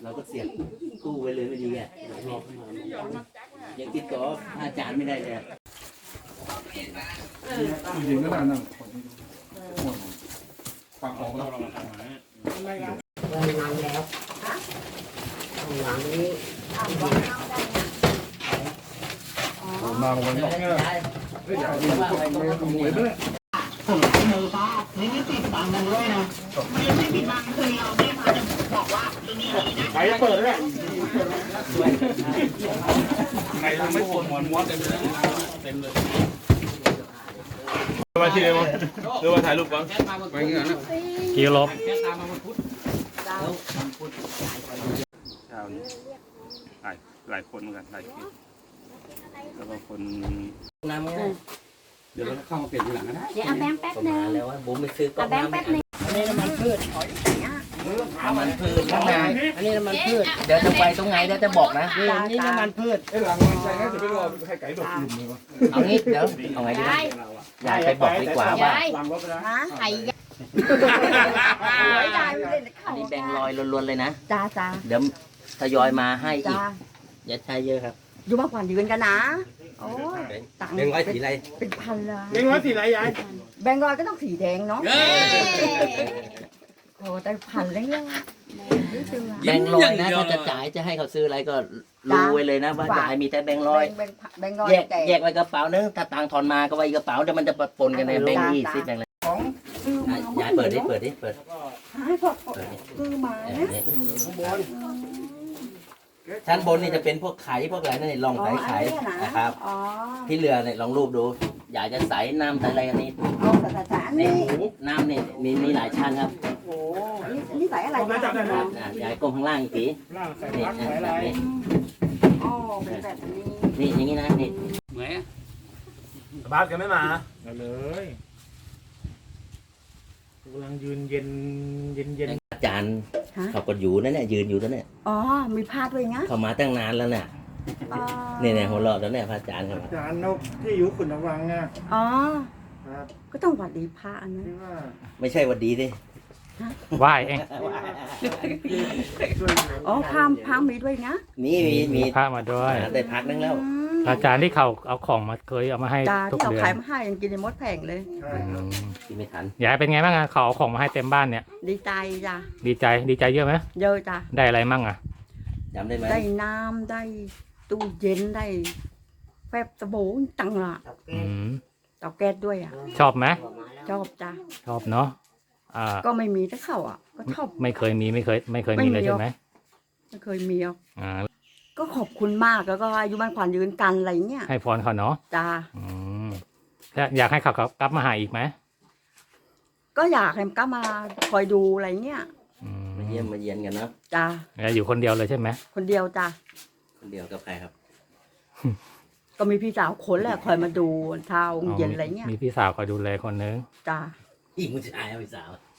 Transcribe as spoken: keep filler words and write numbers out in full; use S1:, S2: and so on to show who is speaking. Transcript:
S1: เราก็เสียบตู้ไว้เลยไม่ดีอ่ะยังติดต่ออาจารย์ไม่ได้เลย
S2: จริงๆก็น่านั่งฟังออกแล้ว
S3: ห้องน้ำแล้วห้องน้ำนี้
S2: มาวันนี้เนี่ยเฮ้ยอย่าเอามือไปมือมือไปเลย
S3: ผมมือป้านี่นี่ติดบังกันด้วยนะไม่ได้ติดบังคือเราแม่พาจะบอกว่าตัวนี้นะ
S2: ไปเปิดเลยไงทำไม่ปวดหัวม้วนเต็มเลยเต็มเลยมาที่ไหนมั้งเดี๋ยวมาถ่ายรูปก่อนไปเงี้ยนะ
S4: กี่ลบ
S2: เช้านี้หลายหลายคนเหมือนกันหลายคนแล้วก็คน
S1: น้ำง่ายเดี๋ยวเราเข้ามาเปลี่ยนทีหลังก็ได้
S5: เดี๋ยวเอาแบงค์แป๊บนึง
S1: แล้วว่าบุ๋มไปซื้อก๊อกน้ำแป๊บนึง
S3: อันนี้น้ำมันพืช
S1: น้ำมันพืชข้างใน
S3: อันนี้น้ำมันพืช
S1: เดี๋ยวจะไปตรงไหนเดี๋ยวจะบอกนะ
S3: นี่น้ำมันพืช
S2: ไอ้หลังมันใจง่ายจะไม่รอให้ไก่ดกลุ่มเลยวะ
S1: เอางี้เดี๋ยวเอาไงดียายไปบอกดีกว่าว่า
S5: ไข่
S1: อันนี้แบงลอยล้วนๆเลยนะ
S5: จ้าจ้า
S1: เดี๋ยวทยอยมาให้อีกอย่าใช้เยอะครับ
S5: อยู่มากกว่ายืนกันนะโอ้ตังค์
S1: แบงร้อยสีอะไร
S5: เป็นพันเลย
S3: แบงค์ร้อยสีอะไรยาย
S5: แบงค์ร้อยก็ต้องสีแดงเนาะโอ้แต่พันเลยเนี่ย
S1: แบงลอยนะถ้าจะจ่ายจะให้เขาซื้ออะไรก็รู้ไว้เลยนะว่ายายมีแต่แบงลอยแยกแยกไว้กระเป๋านึงถ้าตังทอนมาก็ไว้กระเป๋าเดี๋ยวมันจะปนกันในแบงยี่สิบแบงเลยยายเปิดดิเปิดดิเปิด
S5: ให้พอคือมา
S1: ชั้นบนนี่จะเป็นพวกไข่พวกอะไรนั่นลองไข่ไข่นะครับที่เรือเนี่ยลองรูปดูอยากจะใส่น้ำใส่อะไรอันนี้นี่น้ำนี่มีมีหลายชั้นครับ
S5: โอ้นี่ใส่อะไร
S1: ยายก้มข้างล่างอีกทีนี่แบบนี้
S5: อ๋อเป็นแบบนี้
S1: นี่อย่างนี้นะนี่เหมือน
S2: บ้านกันไม่มา
S3: เลยกำลังยืนเย็นเย็นเย็น
S1: อาจารย์เขาก็อยู่นั่นแหละยืนอยู่นั่นแหละ
S5: อ๋อมีพาดด้วยนะ
S1: เขามาตั้งนานแล้วเนี่ยเนี่ยเนี่ยหัวเราะแล้วเนี่ยพระอาจารย์ครับ
S2: อาจารย์นกที่อยู่ขุนวังอ่ะ
S5: อ๋อก็ต้องหวัดดีพระอันนั้น
S1: ไม่ใช่หวัดดีดิ
S4: ไหว้เอง
S5: อ๋อพระพระมีด้วยนะ
S1: มีมีมี
S4: พระมาด้วย
S1: ได้พักนึงแล้ว
S4: อาจารย์ที่เขาเอาของมาเคยเอามาให้ทุกเดือน
S5: ที่เขาขายมาให้ยังกินในมดแผงเลย
S1: กินไม่ทัน
S4: ยายเป็นไงบ้างอ่ะเขาเอาของมาให้เต็มบ้านเนี่ย
S5: ดีใจจ้ะ
S4: ดีใจดีใจเยอะไหม
S5: เยอะจ้ะ
S4: ได้อะไรมั่งอ่ะ
S1: จำได้ไหม
S5: ได้น้ำได้ตู้เย็นได้แฟบสบู่ตังละเตาแก๊สด้วยอ่ะ
S4: ชอบไหม
S5: ชอบจ้ะ
S4: ชอบเนาะอ่า
S5: ก็ไม่มีถ้าเข้าอ่ะก็ชอบ
S4: ไม่เคยมีไม่เคยไม่เคยมีเลยใช่ไหม
S5: ไม่เคยมีอ่
S4: า
S5: ก็ขอบคุณมากแล้วก็อายุมันขวัญยืนกันอะไรเงี้ย
S4: ให้พรเขาเนาะ
S5: จ้า
S4: อืมอยากให้เขากลับมาหาอีกไหม
S5: ก็อยากให้กลับมาคอยดูอะไรเงี้ย
S1: มาเยี่ยมมาเยียนกันนะ
S5: จ้า
S4: อยู่คนเดียวเลยใช่ไหม
S5: คนเดียวจ้า
S1: คนเดียวกับใครครับ
S5: ก็มีพี่สาวคนแหละคอยมาดูเช้าเย็นอะไรเงี้ย
S4: มีพี่สาวคอยดูแลคนนึง
S5: จ้า
S1: พี่ผู้ชายพี่สาว